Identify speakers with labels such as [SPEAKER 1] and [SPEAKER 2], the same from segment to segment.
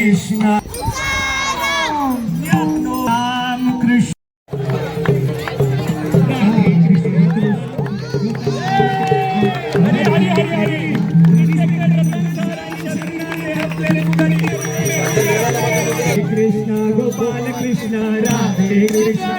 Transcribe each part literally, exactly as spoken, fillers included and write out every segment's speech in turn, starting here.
[SPEAKER 1] कृष्ण राम कृष्ण हरे हरे हरे हरे कृष्ण गोपाल कृष्ण राधे कृष्ण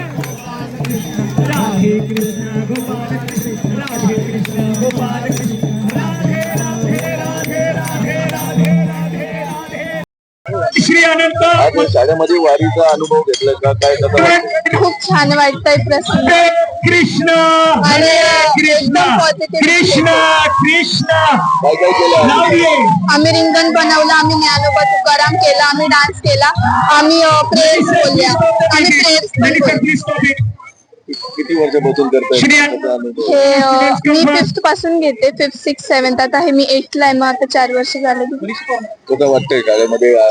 [SPEAKER 1] राधे कृष्ण गोपाल कृष्ण राधे कृष्ण गोपाल कृष्ण राधे राधे राधे राधे राधे राधे राधे श्री अनंत
[SPEAKER 2] आज शाळेमध्ये वारीचा अनुभव घेतला का काय कसं वाटतं?
[SPEAKER 3] खूप छान वाटतंय प्रसन्न
[SPEAKER 1] कृष्ण
[SPEAKER 3] आणि
[SPEAKER 1] कृष्ण
[SPEAKER 3] एकदम पॉझिटिव्ह
[SPEAKER 1] कृष्ण कृष्ण
[SPEAKER 2] काय काय केलं
[SPEAKER 1] लावले
[SPEAKER 3] आम्ही रिंगण बनवलं, आम्ही ज्ञानोबा तुकाराम केला, आम्ही डान्स केला, आम्ही प्रेयर्स बोलल्या, आम्ही प्रेयर्स पण बोलल्या.
[SPEAKER 2] किती वर्षापासून करताय
[SPEAKER 1] श्री
[SPEAKER 2] त्याचा अनुभव?
[SPEAKER 3] हे अ, मी फिफ्थ पासून घेते, फिफ्थ सिक्स सेव्हन्थ आता हे मी एटला आहे, मग आता चार वर्ष झाले.
[SPEAKER 2] कसं वाटतंय शाळेमध्ये आ,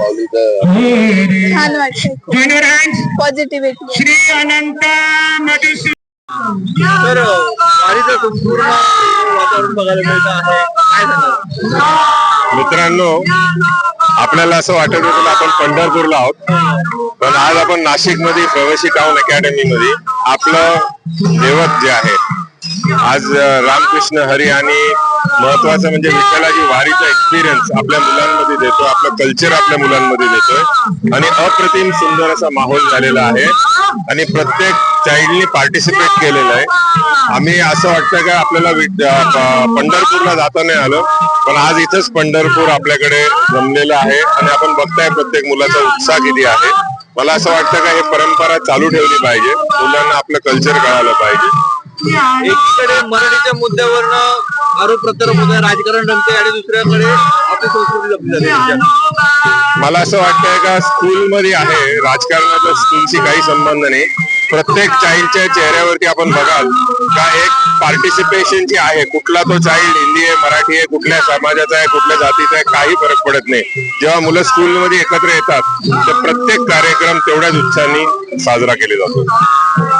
[SPEAKER 2] माऊलीचं
[SPEAKER 3] छान वाटतंय, पॉझिटिव्हिटी.
[SPEAKER 1] श्री अनंत मधुसूदन
[SPEAKER 2] तर वारीचं संपूर्ण वातावरण बघायला मिळतं आहे, काय सांगाल?
[SPEAKER 4] मित्रांनो, आपल्याला असं वाटत होतं आपण पंढरपूरला आहोत, पण आज आपण नाशिक मध्ये प्रवासी टाउन अकॅडमी मध्ये आपलं दैवत जे आहे आज रामकृष्ण हरी आणि महत्वाचं म्हणजे विठ्ठलाची वारीचा एक्सपिरियन्स आपल्या मुलांमध्ये देतो, आपलं कल्चर आपल्या मुलांमध्ये देतोय आणि अप्रतिम सुंदर असा माहोल झालेला आहे आणि प्रत्येक चाइल्डनी पार्टिसिपेट केलेलं आहे. आम्ही असं वाटतं का आपल्याला पंढरपूरला जाता नाही आलं, पण आज इथंच पंढरपूर आपल्याकडे जमलेलं आहे आणि आपण बघताय प्रत्येक मुलाचा उत्साह किती आहे. मला असं वाटतं का हे परंपरा चालू ठेवली पाहिजे, मुलांना आपलं कल्चर कळालं पाहिजे.
[SPEAKER 2] एकीकडे मराठीच्या मुद्द्यावरनं आरोप प्रत्यारोप होत आहे, राजकारण रंगते आणि दुसऱ्याकडे आपली संस्कृती जपली जाते.
[SPEAKER 4] मला असं वाटतंय का स्कूलमध्ये आहे, राजकारणाचा स्कूलशी काही संबंध नाही. प्रत्येक चाइल्डच्या चेहऱ्यावरती आपण बघाल का एक पार्टिसिपेशन जी आहे, कुठला तो चाइल्ड हिंदी आहे, मराठी आहे, कुठल्या समाजाचा आहे, कुठल्या जातीचा आहे, काही फरक पडत नाही. जेव्हा मुलं स्कूलमध्ये एकत्र येतात तर प्रत्येक कार्यक्रम तेवढ्याच उत्साहाने साजरा केला जातो.